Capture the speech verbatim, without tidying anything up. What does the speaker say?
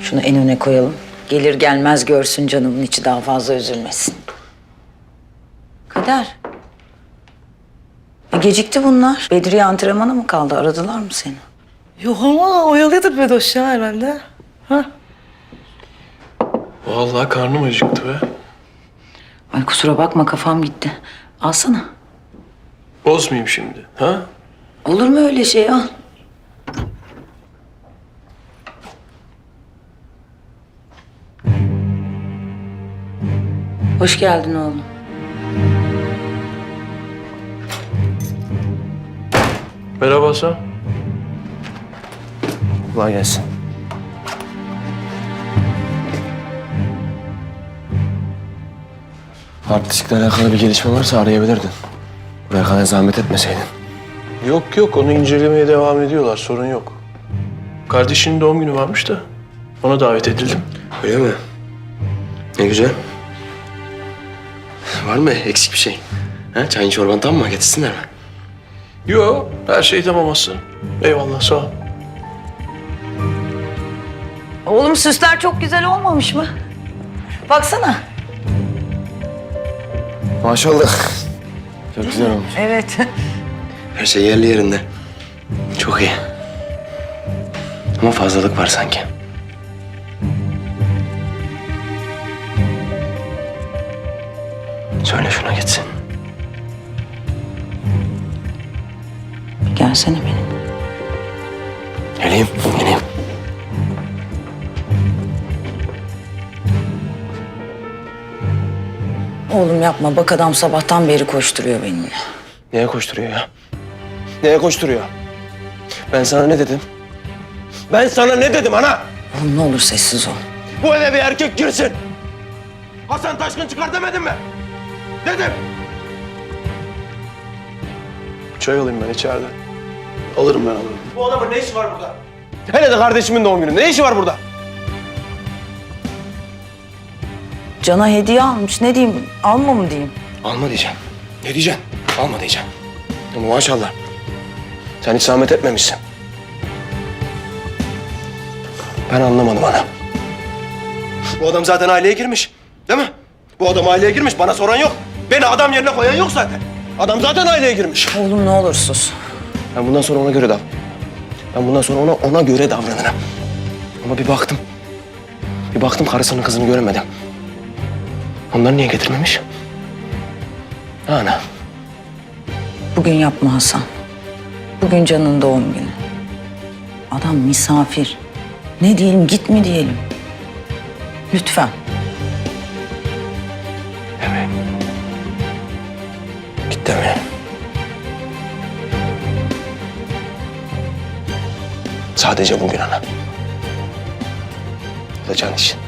Şunu en öne koyalım. Gelir gelmez görsün canımın içi, daha fazla üzülmesin. Kader. E gecikti bunlar. Bedriye antrenmana mı kaldı? Aradılar mı seni? Yok ama oyalıyordur Bedoş ya herhalde. Ha? Vallahi karnım acıktı be. Ay kusura bakma, kafam gitti. Alsana. Bozmayayım şimdi, ha? Olur mu öyle şey, al. Hoş geldin oğlum. Merhaba Hasan. Kolay gelsin. Hard diskle alakalı bir gelişme varsa arayabilirdin. Buraya kadar zahmet etmeseydin. Yok yok, onu incelemeye devam ediyorlar, sorun yok. Kardeşinin doğum günü varmış da ona davet edildim. Öyle mi? Ne güzel. Var mı eksik bir şey? Ha, çayın çorban tam mı? Getirsinler mi? Yo, her şey tamam Hasan. Eyvallah, sağ ol. Oğlum süsler çok güzel olmamış mı? Baksana. Maşallah. Çok güzel olmuş. Evet. Her şey yerli yerinde. Çok iyi. Ama fazlalık var sanki. Söyle şuna gitsin. Gelsene benimle. Geleyim, geleyim. Oğlum yapma, bak adam sabahtan beri koşturuyor benimle. Neye koşturuyor ya? Neye koşturuyor? Ben sana ne dedim? Ben sana ne dedim ana? Oğlum ne olur sessiz ol. Bu eve bir erkek girsin. Hasan Taşkın çıkar demedim mi? Dedim. Çay alayım ben içeride. Alırım ben, alırım. Bu adamın ne işi var burada? Hele de kardeşimin doğum günü. Ne işi var burada? Can'a hediye almış, ne diyeyim, alma mı diyeyim? Alma diyeceğim. Ne diyeceksin? Alma diyeceğim. Ama maşallah. Sen hiç zahmet etmemişsin. Ben anlamadım ana. Bu adam zaten aileye girmiş. Değil mi? Bu adam aileye girmiş. Bana soran yok. Beni adam yerine koyan yok zaten. Adam zaten aileye girmiş. Oğlum ne olur sus. Ben bundan sonra ona göre davran. Ben bundan sonra ona ona göre davranırım. Ama bir baktım. Bir baktım karısının kızını göremedim. Onları niye getirmemiş? Ha ana. Bugün yapma Hasan. Bugün Can'ın doğum günü. Adam misafir. Ne diyelim, git mi diyelim? Lütfen. Evet. Git deme. Sadece bugün ana. O da Can için.